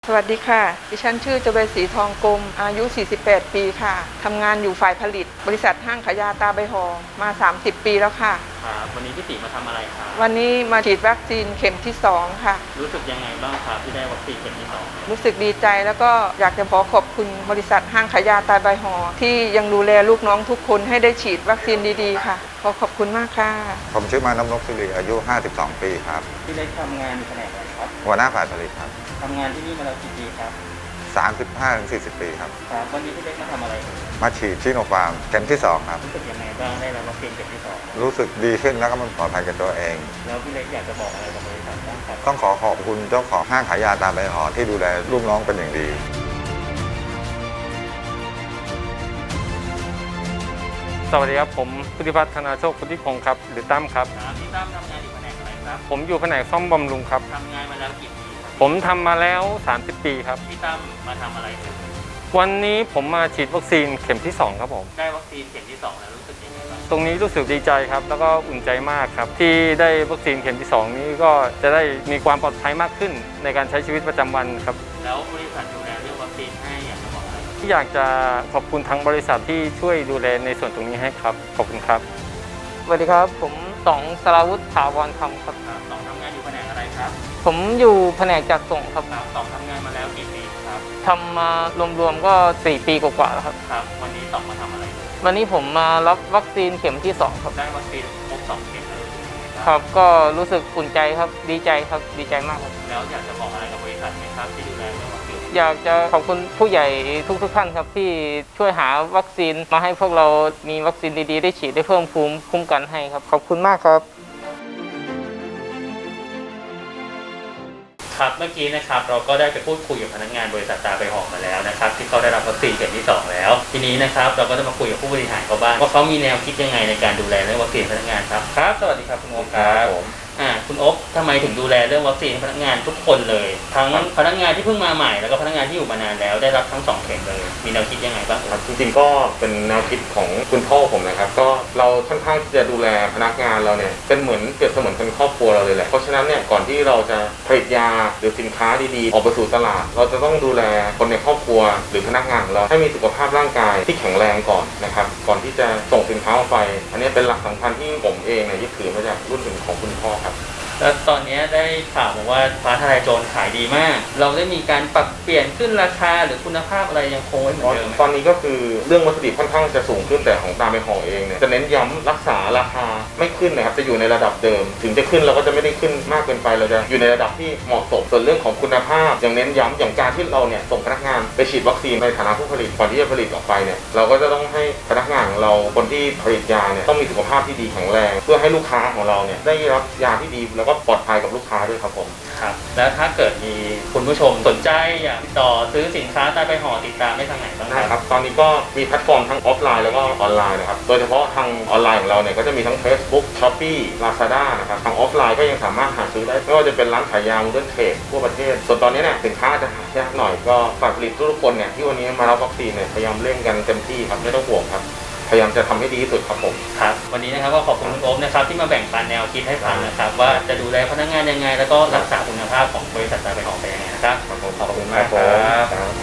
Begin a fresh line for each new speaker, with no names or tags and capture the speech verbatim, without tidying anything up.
สวัสดีค่ะดิฉันชื่อจเวศรีทองกลมอายุ สี่สิบแปด ปีค่ะทำงานอยู่ฝ่ายผลิตบริษัทห้างขายยาตาใบหอมา สามสิบ ปีแล้วค่ะ
ครับวันนี้พี่ติมาทำอะไรครับ
วันนี้มาฉีดวัคซีนเข็มที่สองค่ะ
รู้สึกยังไงบ้างครับที่ได้วัคซีนเข็มที่สอง
รู้สึกดีใจแล้วก็อยากจะขอขอบคุณบริษัทห้างขายยาตาใบหอที่ยังดูแลลูกน้องทุกคนให้ได้ฉีดวัคซีนดีๆค่ะขอขอบคุณมากค่ะ
ผมชื่อมาน้ำนกสิริอายุ ห้าสิบสอง ปีครับ
ที่ได้ทำงานอยู่แผนกอะไรครับ
หัวหน้าฝ่ายผลิตครับ
ทำงานที่นี่มาแล้วกี่ปีครับ
สามสิบห้าถึงสี่สิบ ปีครับ
ครับวันนี้พี่เล็กมาทำอะไร
มาฉีดชิโนฟาร์มเข็มที่สองครับ
รู้สึกยังไงบ้างได้รับวัคซีนเข็มที่สอง
รู้สึกดีขึ้นแล้วก็มันปลอดภัยกับตัวเอง
แล้วพี่เล็กอยากจะบอกอะไรกับบริษัทบ้างครับ
ต้องขอขอบคุณเจ้าของห้างขายยาตาใบหอที่ดูแลลูกน้องเป็นอย่างดี
สวัสดีครับผมพุทธิพัฒน์ธนาโชคพุทธิพงศ์ครับหรือตั้มครับ
พี่ตั้มทำงานอยู่แผนกอะไรครับ
ผมอยู่แผนกซ่อมบำรุงครับ
ทำงานมาแล้วกี่ปี
ผมทำมาแล้วสามสิบปีครับ
พี่ตั้มมาทำอะไร
วันนี้ผมมาฉีดวัคซีนเข็มที่สองครับผม
ได้วัคซีนเข็มที่สองแล้วรู้สึกยังไงบ้าง
ตรงนี้รู้สึกดีใจครับแล้วก็อุ่นใจมากครับที่ได้วัคซีนเข็มที่สองนี้ก็จะได้มีความปลอดภัยมากขึ้นในการใช้ชีวิตประจำวันครับ
แล้วบริษัทดูแลเรื่องวัคซีนให้อยากจะบอกอะไร
ที่อยากจะขอบคุณทั้งบริษัทที่ช่วยดูแลในส่วนตรงนี้ให้ครับขอบคุณครับ
สวัสดีครับผมต๋องสราวุฒิถาวรคำครับ
ต๋องทำงานอยู่แผนกอะไรครับ
ผมอยู่แผนกจัดส่งครับ
ต๋องทำงานมาแล้วกี่ปีครับ
ทำมารวมๆก็สี่ปีกว่าๆแล้วครับ
ครับวันนี้ต๋องมาทำอะไร
วันนี้ผมมารับวัคซีนเข็มที่สองครับ
ได้วัคซีนครบสองเข็มแล้ว
ครับก็รู้สึกอุ่นใจครับดีใจครับดีใจมากครับ
แล้วอยากจะบอกอะไรกับบริษัทไหมครับที่ดูแลเรื่องวัคซีน
อยากจะขอบคุณผู้ใหญ่ทุกๆท่านครับที่ช่วยหาวัคซีนมาให้พวกเรามีวัคซีนดีๆได้ฉีดได้เพิ่มภูมิคุ้มกันให้ครับขอบคุณมากครับ
ครับเมื่อกี้นะครับเราก็ได้ไปพูดคุยกับพนักงานบริษัทตาใบหอมาแล้วนะครับที่เขาได้รับวัคซีนเข็มที่สองแล้วทีนี้นะครับเราก็จะมาคุยกับผู้บริหารเขาบ้างว่าเขามีแนวคิดยังไงในการดูแลเรื่องวัคซีนพนักงานครับครับสวัสดีครับคุณโอ๊คครับผมอ่าคุณโอ๊คทำไมถึงดูแลเรื่องวัคซีนพนักงานทุกคนเลยทั้งพนักงานที่เพิ่งมาใหม่แล้วก็พนักงานที่อยู่มานานแล้วได้รับทั้งสองเข็มเลยมีแนวคิดยังไงบ้าง
ครับจริงๆก็เป็นแนวคิดของคุณพ่อผมนะครับก็เราค่อนข้างที่จะดูแลพนักงานเราเนี่ยเป็นเหมือนเปรียบเสมือนเป็นครอบครัวเราเลยแหละเพราะฉะนั้นเนี่ยก่อนที่เราจะผลิตยาหรือสินค้าดีๆออกไปสู่ตลาดเราจะต้องดูแลคนในครอบครัวหรือพนักงานของเราให้มีสุขภาพร่างกายที่แข็งแรงก่อนนะครับก่อนที่จะส่งสินค้าออกไปอันนี้เป็นหลักสำคัญที่ผมเองเนี่ยยึดถือมาจากรุ่นของคุณพ่อครับ
แล้วตอนนี้ได้ข่าวมาว่าฟ้าทลายโจรขายดีมากเราได้มีการปรับเปลี่ยนขึ้นราคาหรือคุณภาพอะไรยังคงไว้เหมือนเดิม
ตอนนี้ก็คือเรื่องวัตถุดิบค่อนข้างจะสูงขึ้นแต่ของตาใบหอเองเนี่ยจะเน้นย้ำรักษาราคาไม่ขึ้นนะครับจะอยู่ในระดับเดิมถึงจะขึ้นเราก็จะไม่ได้ขึ้นมากเกินไปเราจะอยู่ในระดับที่เหมาะสมส่วนเรื่องของคุณภาพอย่างเน้นย้ำอย่างการที่เราเนี่ยส่งพนักงานไปฉีดวัคซีนในฐานะผู้ผลิตก่อนที่จะผลิตออกไปเนี่ยเราก็จะต้องให้พนักงานของเราคนที่ผลิตยาเนี่ยต้องมีสุขภาพที่ดีแข็งแรงเพื่อให้ลูกค้าของเราเนี่ยได้รับยาที่ดีแล้วก็ปลอดภัยกับลูกค้าด้วยครับผม
ครับแล้วถ้าเกิดมีคุณผู้ชมสนใจอยากติดต่อซื้อสินค้าตาใบหอติดตามได้ทางไหนบ้าง
ครับตอนนี้ก็มีแพลตฟอร์มทั้งออฟไลน์แล้วก็ออนไลน์นะครับโดยเฉพาะทางออนไลน์ของเราเนี่ยก็จะมีทั้ง Facebook Shopee Lazada นะครับทางออฟไลน์ก็ยังสามารถหาซื้อได้ไม่ว่าจะเป็นร้านขายยา Modern Trade ทั่วประเทศส่วนตอนนี้เนี่ยสินค้าจะหายากหน่อยก็ฝากผลิตทุกคนเนี่ยที่วันนี้มารับวัคซีนเนี่ยพยายามเร่งกันเต็มที่ครับไม่ต้องห่วงครับพยายามจะทำให้ดีที่สุดครับผม
ครับวันนี้นะครับก็ขอบคุณคุณโอ๊คนะครับที่มาแบ่งปันแนวคิดให้ฟังนะครับว่าจะดูแลพนักงานยังไงแล้วก็รักษาคุณภาพของบริษัทตาใบหอไปยังไงนะครับ
ขอบคุณมากครับ